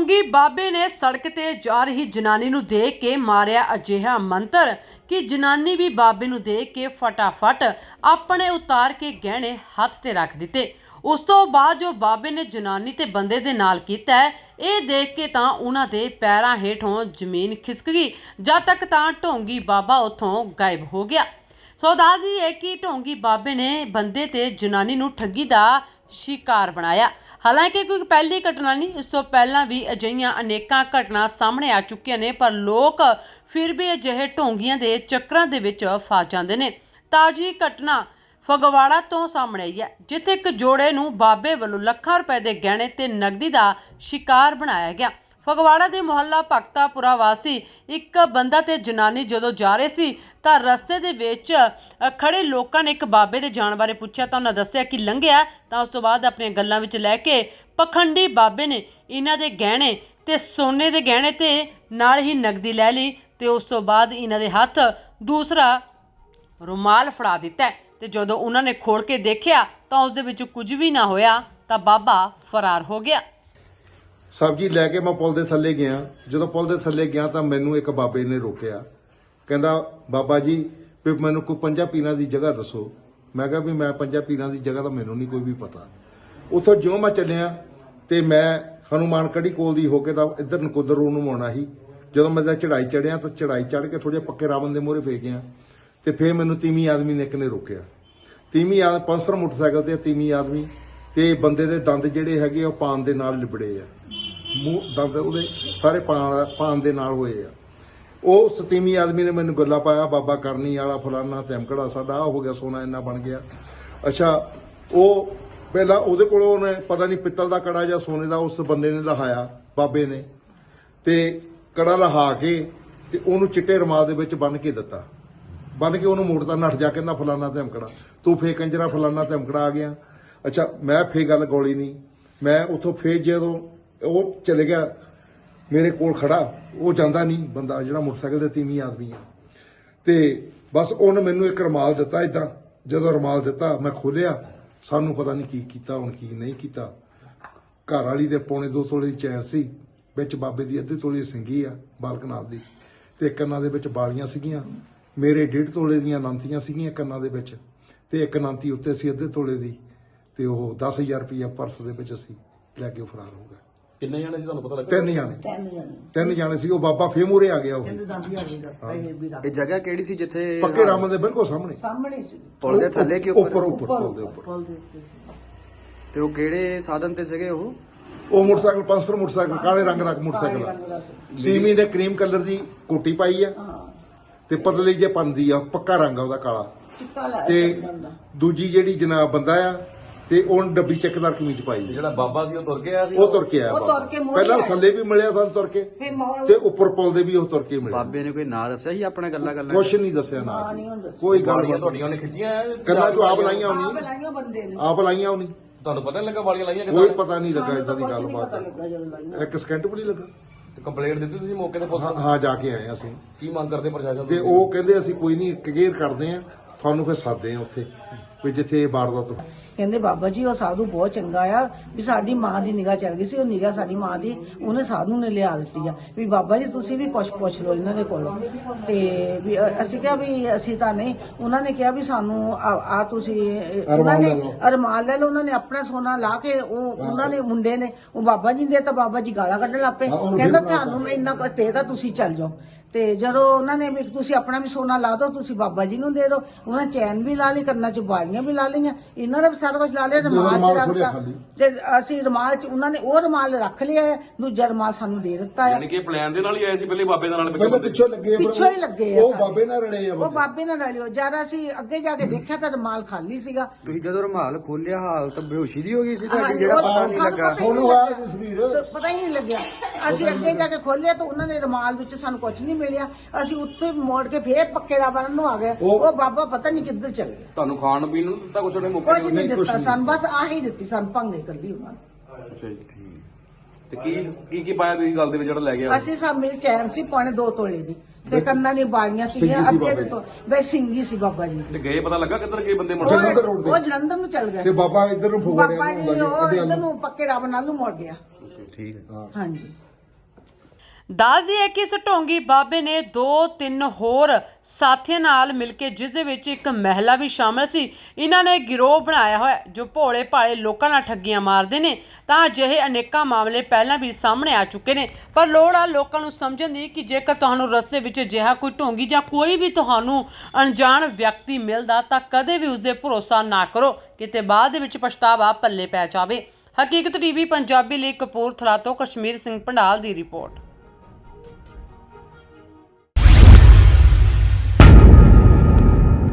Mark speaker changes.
Speaker 1: ਢੋਂਗੀ ਬਾਬੇ ਨੇ ਸੜਕ ਤੇ ਜਾ ਰਹੀ ਜਨਾਨੀ ਨੂੰ ਦੇਖ ਕੇ ਮਾਰਿਆ ਅਜਿਹਾ ਮੰਤਰ ਕਿ ਜਨਾਨੀ ਵੀ ਬਾਬੇ ਨੂੰ ਦੇਖ ਕੇ ਫਟਾਫਟ ਆਪਣੇ ਉਤਾਰ ਕੇ ਗਹਿਣੇ ਹੱਥ ਤੇ ਰੱਖ ਦਿੱਤੇ। ਉਸ ਤੋਂ ਬਾਅਦ ਜੋ ਬਾਬੇ ਨੇ ਜਨਾਨੀ ਤੇ ਬੰਦੇ ਦੇ ਨਾਲ ਕੀਤਾ ਹੈ, ਇਹ ਦੇਖ ਕੇ ਤਾਂ ਉਹਨਾਂ ਦੇ ਪੈਰਾਂ ਹੇਠੋਂ ਜ਼ਮੀਨ ਖਿਸਕ ਗਈ। ਜਦ ਤੱਕ ਤਾਂ ਢੋਂਗੀ ਬਾਬਾ ਉੱਥੋਂ ਗਾਇਬ ਹੋ ਗਿਆ। ਸੋ ਦੱਸਦੀ ਹੈ ਕਿ ਢੋਂਗੀ ਬਾਬੇ ਨੇ ਬੰਦੇ ਤੇ ਜਨਾਨੀ ਨੂੰ ਠੱਗੀ ਦਾ शिकार बनाया। हालांकि कोई पहली घटना नहीं, इस तो पहला भी अजिहियां अनेकां घटना सामने आ चुकियां ने, पर लोग फिर भी अजिहे ढोंगियां दे चक्करां दे विच फस जांदे ने। ताजी घटना फगवाड़ा तो सामने आई है, जिथे एक जोड़े नूं बाबे वल्लों ਲੱਖਾਂ रुपए के गहणे ते नगदी का शिकार बनाया गया। फगवाड़ा के मुहल्ला भगतापुरा वासी एक बंदा ते जनानी जदों जा रहे सी तां रस्ते दे विच खड़े लोकां ने एक बाबे दे जाण बारे पुछया तां उन्हां दस्सिया कि लंघिआ। तां उस तों बाद अपणीआं गल्लां विच लैके पखंडी बाबे ने इन्हां दे गहणे ते सोने दे गहणे ते नाल ही नगदी लै लई ते उस तों बाद इन्हां दे हत्थ दूसरा रुमाल फड़ा दिता ते जदों उन्हां ने खोल के देखिआ तां उस दे विच कुछ भी ना होया तां बाबा फरार हो गया।
Speaker 2: सब्जी लैके मैं पुल के थले गया। जो पुल के थले गया तो मैनू एक बाबे ने रोकया, कहता बाबा जी भी मैनू कोई 5 पीरां की जगह दसो। मैं कहा भी मैं 5 पीरां की जगह तो मैनू नहीं कोई भी पता। उतों ज्यों मैं चलिया तो मैं हनुमान कड़ी कोल दी होके तो इधर नकोदर रोड नूं आउणा ही। जो मैं चढ़ाई चढ़िया तो चढ़ाई चढ़ के थोड़े पक्के रावण के मोहरे फेंक गया तो फिर मैनू तीवीं आदमी ने एक ने रोकया। तीवीं आदमी पंसर मोटरसाइकिल ते तीवीं आदमी ते बंदे दे दंद जिहड़े हैगे ओह पान दे नाल लिबड़े आ, मूँह दंद ਉਹਦੇ ਸਾਰੇ ਪਾन ਦੇ ਨਾਲ ਹੋਏ ਆ। ਉਹ ਸਤੀਮੀ ਆਦਮੀ ਨੇ ਮੈਨੂੰ ਗੱਲਾਂ ਪਾਇਆ, ਬਾਬਾ ਕਰਨੀ ਵਾਲਾ ਫਲਾਨਾ ਧਮਕੜਾ ਸਾਡਾ ਆ ਹੋ ਗਿਆ, ਸੋਨਾ ਇੰਨਾ ਬਣ ਗਿਆ। ਅੱਛਾ, ਉਹ ਪਹਿਲਾਂ ਉਹਦੇ ਕੋਲੋਂ ਉਹਨੇ ਪਤਾ ਨਹੀਂ ਪਿੱਤਲ ਦਾ ਕੜਾ ਜਾਂ ਸੋਨੇ ਦਾ ਉਸ ਬੰਦੇ ਨੇ ਲਹਾਇਆ ਬਾਬੇ ਨੇ, ਤੇ ਕੜਾ ਲਹਾ ਕੇ ਤੇ ਉਹਨੂੰ ਚਿੱਟੇ ਰੁਮਾਲ ਦੇ ਵਿੱਚ ਬੰਨ ਕੇ ਦਿੱਤਾ। ਬੰਨ ਕੇ ਉਹਨੂੰ ਮੋੜਦਾ, ਨੱਠ ਜਾ, ਕਹਿੰਦਾ ਫਲਾਨਾ ਧਮਕੜਾ ਤੂੰ ਫੇ ਕੰਜਰਾ ਫਲਾਨਾ ਧਮਕੜਾ ਆ ਗਿਆ। ਅੱਛਾ, ਮੈਂ ਫੇ ਗੱਲ ਗੋਲੀ ਨਹੀਂ, ਮੈਂ ਉੱਥੋਂ ਫੇ ਜਦੋਂ ਉਹ ਚਲੇ ਗਿਆ ਮੇਰੇ ਕੋਲ ਖੜਾ, ਉਹ ਜਾਂਦਾ ਨਹੀਂ ਬੰਦਾ ਜਿਹੜਾ ਮੋਟਰਸਾਈਕਲ ਤੇ ਤੀਵੀਂ ਆਦਮੀ ਆ, ਤੇ ਬਸ ਉਹਨੇ ਮੈਨੂੰ ਇੱਕ ਰੁਮਾਲ ਦਿੱਤਾ। ਇਦਾਂ ਜਦੋਂ ਰੁਮਾਲ ਦਿੱਤਾ ਮੈਂ ਖੋਲਿਆ, ਸਾਨੂੰ ਪਤਾ ਨਹੀਂ ਕੀ ਕੀਤਾ ਹੁਣ ਕੀ ਨਹੀਂ ਕੀਤਾ। ਘਰ ਵਾਲੀ ਦੇ ਪੌਣੇ 2 ਤੋਲੇ ਦੀ ਚੈਨ ਸੀ, ਵਿੱਚ ਬਾਬੇ ਦੀ ਅੱਧੀ ਤੋਲੇ ਦੀ ਸਿੰਗੀ ਆ ਬਾਲਕਨਾਥ ਦੀ, ਤੇ ਕੰਨਾਂ ਦੇ ਵਿੱਚ ਬਾਲੀਆਂ ਸੀਗੀਆਂ। ਮੇਰੇ 1.5 ਤੋਲੇ ਦੀਆਂ ਨਾਂਤੀਆਂ ਸੀਗੀਆਂ ਕੰਨਾਂ ਦੇ ਵਿੱਚ, ਤੇ ਇੱਕ ਨਾਂਤੀ ਉੱਤੇ ਸੀ ਅੱਧੇ ਤੋਲੇ ਦੀ, ਤੇ ਉਹ 10,000 ਰੁਪਇਆ ਪਰਸ ਦੇ ਵਿੱਚ ਅਸੀਂ ਲੈ ਕੇ ਫਰਾਰ ਹੋ ਗਏ।
Speaker 3: ਕਿੰਨੇ ਜਾਣੇ ਸੀ ਤੁਹਾਨੂੰ ਪਤਾ ਲੱਗਾ?
Speaker 2: 3 ਜਾਣੇ ਸੀ। ਉਹ ਬਾਬਾ ਫੇਰ ਮੂਹਰੇ ਆ ਗਿਆ। ਉਹ
Speaker 4: ਇਹ ਜਗ੍ਹਾ ਕਿਹੜੀ ਸੀ ਜਿੱਥੇ
Speaker 2: ਪੱਕੇ ਰਾਮ ਦੇ ਬਿਲਕੁਲ ਸਾਹਮਣੇ ਸੀ,
Speaker 4: ਪੁਲ ਦੇ ਥੱਲੇ ਕਿ
Speaker 2: ਉੱਪਰ ਪੁਲ ਦੇ ਉੱਪਰ।
Speaker 4: ਤੇ ਉਹ ਕਿਹੜੇ ਸਾਧਨ ਤੇ ਸੀਗੇ?
Speaker 2: ਉਹ ਮੋਟਰਸਾਈਕਲ ਪੰਸਰ ਮੋਟਰਸਾਈਕਲ, ਕਾਲੇ ਰੰਗ ਦਾ ਮੋਟਰਸਾਈਕਲ। ਤੀਵੀਂ ਨੇ ਕਰੀਮ ਕਲਰ ਦੀ ਕੋਟੀ ਪਾਈ ਆ ਤੇ ਪਤਲੀ ਜੇ ਪੰਦੀ ਆ, ਪੱਕਾ ਰੰਗ ਆ ਉਹਦਾ ਕਾਲਾ। ਤੇ ਦੂਜੀ ਜਿਹੜੀ ਜਨਾਬ ਬੰਦਾ ਆ ਤੇ ਉਹ ਡੱਬੀ ਚੱਕਦਾਰ ਕਮੀਜ਼ ਪਾਈ।
Speaker 3: ਜਿਹੜਾ ਬਾਬਾ ਸੀ ਉਹ ਤੁਰ ਕੇ ਆਇਆ ਸੀ?
Speaker 2: ਉਹ ਤੁਰ ਕੇ ਆਇਆ। ਪਹਿਲਾਂ ਥੱਲੇ ਵੀ ਮਿਲਿਆ ਸਾਨੂੰ ਤੁਰ ਕੇ, ਤੇ ਉੱਪਰ ਪੁਲ ਦੇ ਵੀ ਉਹ ਤੁਰ ਕੇ ਮਿਲਿਆ।
Speaker 4: ਬਾਬੇ ਨੇ ਕੋਈ ਨਾਂ ਦੱਸਿਆ ਸੀ ਆਪਣਾ? ਗੱਲਾਂ
Speaker 2: ਕੁਛ ਨਹੀਂ ਦੱਸਿਆ ਨਾ, ਕੋਈ ਗੱਲ
Speaker 3: ਵਾਲੀਆਂ ਤੁਹਾਡੀਆਂ ਉਹਨੇ ਖਿੱਚੀਆਂ?
Speaker 2: ਗੱਲਾਂ ਜੋ ਆਪ ਲਾਈਆਂ ਹੋਣੀ, ਆਪ ਲਾਈਆਂ ਹੋਣੀ।
Speaker 3: ਤੁਹਾਨੂੰ ਪਤਾ ਨਹੀਂ ਲੱਗਾ ਵਾਲੀਆਂ ਲਾਈਆਂ
Speaker 2: ਕੋਈ ਪਤਾ ਨਹੀਂ ਲੱਗਾ, ਇਦਾਂ ਦੀ ਗੱਲਬਾਤ ਇੱਕ ਸਕਿੰਟ ਵੀ ਨਹੀਂ ਲੱਗਾ।
Speaker 3: ਤੇ ਕੰਪਲੇਂਟ ਦਿੱਤੀ ਤੁਸੀਂ ਮੌਕੇ ਤੇ ਪੁਲਿਸ?
Speaker 2: ਹਾਂ, ਜਾ ਕੇ ਆਏ ਅਸੀਂ।
Speaker 3: ਕੀ ਮੰਗ ਕਰਦੇ ਪ੍ਰਸ਼ਾਸਨ
Speaker 2: ਤੇ ਉਹ ਕਹਿੰਦੇ ਅਸੀਂ ਕੋਈ ਨਹੀਂ ਕਲੀਅਰ ਕਰਦੇ ਆ ਤੁਹਾਨੂੰ, ਫਿਰ ਸਾਦੇ ਆ ਉੱਥੇ ਵੀ ਜਿੱਥੇ ਇਹ ਵਾਰਦਾਤ।
Speaker 5: ਕਹਿੰਦੇ ਬਾਬਾ ਜੀ ਉਹ ਸਾਧੂ ਬਹੁਤ ਚੰਗਾ ਆ, ਵੀ ਸਾਡੀ ਮਾਂ ਦੀ ਨਿਗਾਹ ਚੱਲ ਗਈ ਸੀ, ਉਹ ਨਿਗਾਹ ਸਾਡੀ ਮਾਂ ਦੀ ਉਹਨੇ ਸਾਧੂ ਨੇ ਲਿਆ ਦਿੱਤੀ ਆ, ਵੀ ਬਾਬਾ ਜੀ ਤੁਸੀਂ ਵੀ ਕੁਛ ਪੁੱਛ ਲਓ ਇਹਨਾਂ ਦੇ ਕੋਲੋਂ। ਤੇ ਵੀ ਅਸੀਂ ਕਿਹਾ ਵੀ ਅਸੀਂ ਤਾਂ ਨਹੀਂ। ਉਹਨਾਂ ਨੇ ਕਿਹਾ ਵੀ ਸਾਨੂੰ ਆ ਤੁਸੀਂ ਉਹਨਾਂ ਨੇ ਅਰਮਾਨ ਲੈ ਲਓ। ਉਹਨਾਂ ਨੇ ਆਪਣਾ ਸੋਨਾ ਲਾ ਕੇ ਉਹਨਾਂ ਨੇ ਮੁੰਡੇ ਨੇ ਉਹ ਬਾਬਾ ਜੀ ਦੇ ਤਾਂ ਬਾਬਾ ਜੀ ਗਾਲਾਂ ਕੱਢਣ ਲੱਗ ਪਏ, ਕਹਿੰਦਾ ਤੁਹਾਨੂੰ ਮੈਂ ਇੰਨਾ ਕੁ ਦੇ ਤਾਂ ਤੁਸੀਂ ਚੱਲ ਜਾਓ। ਤੇ ਜਦੋਂ ਉਹਨਾਂ ਨੇ ਵੀ ਤੁਸੀਂ ਆਪਣਾ ਵੀ ਸੋਨਾ ਲਾ ਦਿਓ, ਤੁਸੀਂ ਬਾਬਾ ਜੀ ਨੂੰ ਦੇ ਦਿਓ। ਉਹਨਾਂ ਚੈਨ ਵੀ ਲਾ ਲਈ, ਕੰਨਾਂ 'ਚ ਬਾਲੀਆਂ ਵੀ ਲਾ ਲਈਆਂ, ਇਹਨਾਂ ਦਾ ਵੀ ਸਾਰਾ ਕੁਝ ਲਾ ਲਿਆ। ਰੁਮਾਲ 'ਚ ਰੱਖਤਾ ਤੇ ਅਸੀਂ ਰੁਮਾਲ 'ਚ ਉਹਨਾਂ ਨੇ ਉਹ ਰੁਮਾਲ ਰੱਖ ਲਿਆ, ਦੂਜਾ ਰੁਮਾਲ ਸਾਨੂੰ ਦੇ ਦਿੱਤਾ ਹੈ।
Speaker 3: ਯਾਨੀ ਕਿ ਪਲਾਨ ਦੇ ਨਾਲ ਹੀ ਆਏ ਸੀ ਪਹਿਲੇ ਬਾਬੇ ਦੇ ਨਾਲ?
Speaker 2: ਪਿੱਛੋਂ ਲੱਗੇ,
Speaker 5: ਪਿੱਛੋਂ ਹੀ ਲੱਗੇ ਆ।
Speaker 2: ਉਹ ਬਾਬੇ ਨਾਲ ਰਲੇ ਆ,
Speaker 5: ਉਹ ਬਾਬੇ ਨਾਲ ਰਲਿਓ। ਜਦ ਅਸੀਂ ਅੱਗੇ ਜਾ ਕੇ ਦੇਖਿਆ ਤਾਂ ਰੁਮਾਲ ਖਾਲੀ ਸੀਗਾ।
Speaker 4: ਤੁਸੀਂ ਜਦੋਂ ਰੁਮਾਲ ਖੋਲਿਆ ਹਾਲਤ ਬੇਹੋਸ਼ੀ ਦੀ ਹੋ ਗਈ ਸੀ ਤੁਹਾਡੀ? ਜਿਹੜਾ ਪਤਾ ਨਹੀਂ ਲੱਗਾ
Speaker 2: ਸੋਨੂੰ ਆਇਆ ਸੀ ਸਰੀਰ,
Speaker 5: ਪਤਾ ਹੀ ਨਹੀਂ ਲੱਗਿਆ। ਅਸੀਂ ਅੱਗੇ ਜਾ ਕੇ ਖੋਲਿਆ ਤਾਂ ਉਹਨਾਂ ਨੇ ਰੁਮਾਲ ਵਿੱਚ ਸਾਨੂੰ ਕੁਝ ਨਹੀਂ ਮਿਲਿਆ। ਅਸੀਂ ਉੱਥੇ ਮੋੜ ਕੇ ਫੇਰ ਪੱਕੇ ਦਾ ਬਣਨ ਨੂੰ ਆ ਗਏ। ਉਹ ਬਾਬਾ ਪਤਾ ਨਹੀਂ ਕਿੱਧਰ ਚਲ ਗਿਆ।
Speaker 3: ਤੁਹਾਨੂੰ ਖਾਣ ਪੀਣ ਨੂੰ ਦਿੱਤਾ ਕੁਛ? ਉਹਨੇ ਮੌਕੇ
Speaker 5: ਕੁਝ ਨਹੀਂ ਦਿੱਤਾ ਸਾਨੂੰ, ਬਸ ਆਹੀ ਦਿੱਤੀ ਸਾਨੂੰ ਭੰਗੇ ਕੱਲੀ ਉਹਨਾਂ ਨੇ।
Speaker 3: ਅੱਛਾ ਜੀ, ਠੀਕ। ਤੇ ਕੀ ਪਾਇਆ ਤੁਸੀਂ ਗੱਲ ਦੇ ਵਿੱਚ ਜਿਹੜਾ ਲੈ ਗਿਆ?
Speaker 5: ਅਸੀਂ ਸਭ ਮੇਰੇ ਚੈਨ ਸੀ ਪੌਣੇ 2 ਤੋਲੇ ਦੀ, ਤੇ ਕੰਨਾਂ ਦੀ ਬਾਲੀਆਂ ਸੀਗੀਆਂ ਅੱਧੇ ਤੋਂ, ਬਸ ਸਿੰਗੀ ਸੀ ਬਾਬਾ ਜੀ।
Speaker 3: ਤੇ ਗਏ ਪਤਾ ਲੱਗਾ ਕਿੱਧਰ ਗਏ ਬੰਦੇ?
Speaker 5: ਉਹ ਜਲੰਧਰ ਨੂੰ ਚੱਲ ਗਿਆ।
Speaker 2: ਤੇ ਬਾਬਾ ਇੱਧਰ ਨੂੰ
Speaker 5: ਬਾਬਾ ਜੀ ਉਹ ਇੱਧਰ ਨੂੰ ਪੱਕੇ ਰੱਬ ਨਾਲ ਨੂੰ ਮੁੜ ਗਿਆ।
Speaker 4: ਠੀਕ ਹੈ।
Speaker 5: ਹਾਂਜੀ,
Speaker 1: ਦੱਸ ਦਈਏ ਕਿ ਇਸ ਢੋਂਗੀ ਬਾਬੇ ਨੇ 2-3 ਹੋਰ ਸਾਥੀਆਂ ਨਾਲ ਮਿਲ ਕੇ, ਜਿਸ ਦੇ ਵਿੱਚ ਇੱਕ ਮਹਿਲਾ ਵੀ ਸ਼ਾਮਲ ਸੀ, ਇਹਨਾਂ ਨੇ ਗਿਰੋਹ ਬਣਾਇਆ ਹੋਇਆ ਜੋ ਭੋਲੇ ਭਾਲੇ ਲੋਕਾਂ ਨਾਲ ਠੱਗੀਆਂ ਮਾਰਦੇ ਨੇ। ਤਾਂ ਅਜਿਹੇ ਅਨੇਕਾਂ ਮਾਮਲੇ ਪਹਿਲਾਂ ਵੀ ਸਾਹਮਣੇ ਆ ਚੁੱਕੇ ਨੇ, ਪਰ ਲੋੜ ਆ ਲੋਕਾਂ ਨੂੰ ਸਮਝਣ ਦੀ ਕਿ ਜੇਕਰ ਤੁਹਾਨੂੰ ਰਸਤੇ ਵਿੱਚ ਅਜਿਹਾ ਕੋਈ ਢੋਂਗੀ ਜਾਂ ਕੋਈ ਵੀ ਤੁਹਾਨੂੰ ਅਣਜਾਣ ਵਿਅਕਤੀ ਮਿਲਦਾ ਤਾਂ ਕਦੇ ਵੀ ਉਸਦੇ ਭਰੋਸਾ ਨਾ ਕਰੋ, ਕਿਤੇ ਬਾਅਦ ਦੇ ਵਿੱਚ ਪਛਤਾਵਾ ਪੱਲੇ ਪੈ ਜਾਵੇ। ਹਕੀਕਤ ਟੀਵੀ ਪੰਜਾਬੀ ਲਈ ਕਪੂਰਥਲਾ ਤੋਂ ਕਸ਼ਮੀਰ ਸਿੰਘ ਪੰਡਾਲ ਦੀ ਰਿਪੋਰਟ।